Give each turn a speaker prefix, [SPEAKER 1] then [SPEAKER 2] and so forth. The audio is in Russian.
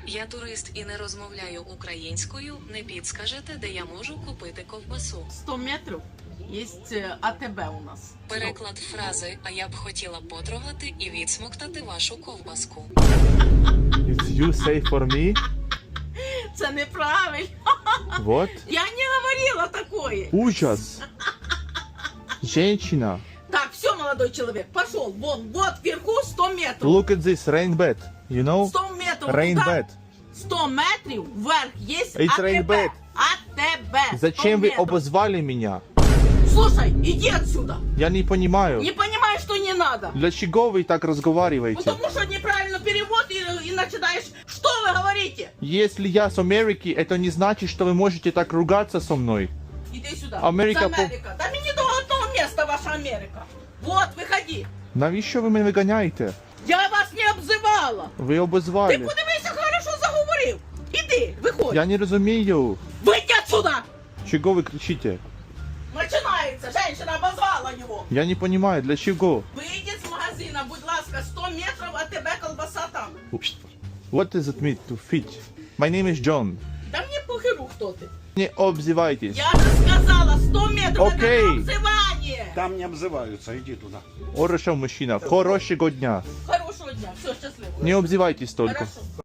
[SPEAKER 1] Я турист і не розмовляю українською. Не підскажете, де я можу купити ковбасу?
[SPEAKER 2] 100 метрів є АТБ у нас.
[SPEAKER 1] Переклад фрази «А я б хотіла потрогати і відсмоктати вашу ковбаску».
[SPEAKER 3] It's you say for me?
[SPEAKER 2] Це неправильно.
[SPEAKER 3] Вот.
[SPEAKER 2] Я не говорила такое.
[SPEAKER 3] Ужас. Женщина.
[SPEAKER 2] Так, все, молодой человек, пошел. Вон, вот вверху 100 метрів.
[SPEAKER 3] Look at this, rain bed. You know?
[SPEAKER 2] 100 метрів.
[SPEAKER 3] Rain
[SPEAKER 2] туда.
[SPEAKER 3] bed.
[SPEAKER 2] 100 метрів вверх є
[SPEAKER 3] It's
[SPEAKER 2] АТБ.
[SPEAKER 3] rain bed.
[SPEAKER 2] АТБ.
[SPEAKER 3] Зачем
[SPEAKER 2] 100
[SPEAKER 3] вы
[SPEAKER 2] метрів.
[SPEAKER 3] обозвали меня?
[SPEAKER 2] Слушай, иди отсюда.
[SPEAKER 3] Я не понимаю.
[SPEAKER 2] Не понимаешь, что не надо.
[SPEAKER 3] Для чего вы так разговариваете?
[SPEAKER 2] Потому что неправильно перевод и начинаешь... Что вы говорите?
[SPEAKER 3] Если я с Америки, это не значит, что вы можете так ругаться со мной.
[SPEAKER 2] Иди сюда.
[SPEAKER 3] Америка
[SPEAKER 2] Це Америка. Да мені до одного места ваша Америка. Вот, выходи.
[SPEAKER 3] Навіщо ви мене виганяєте?
[SPEAKER 2] Я вас не обзивала.
[SPEAKER 3] Ви
[SPEAKER 2] Ти
[SPEAKER 3] обозвали.
[SPEAKER 2] подивися, хорошо заговорив. Іди, виходь.
[SPEAKER 3] Я не розумію.
[SPEAKER 2] Вийди отсюда.
[SPEAKER 3] Чого ви кричите?
[SPEAKER 2] Начинается. Женщина обозвала его.
[SPEAKER 3] Я не понимаю, для чего?
[SPEAKER 2] Вийди з магазина, будь ласка, 100 метрів, а тебе колбаса там.
[SPEAKER 3] What does it mean to fit? My name is John.
[SPEAKER 2] Да мені похеру, хто ти.
[SPEAKER 3] Не обзивайтесь.
[SPEAKER 2] Я же сказала, 100 метрів,
[SPEAKER 3] Окей.
[SPEAKER 2] это не обзивання.
[SPEAKER 4] Там не обзываются, иди туда.
[SPEAKER 3] Хорошо, мужчина. Хорошого дня.
[SPEAKER 2] Хорошого дня, все, щасливо.
[SPEAKER 3] Не обзивайтесь только.
[SPEAKER 2] Хорошо.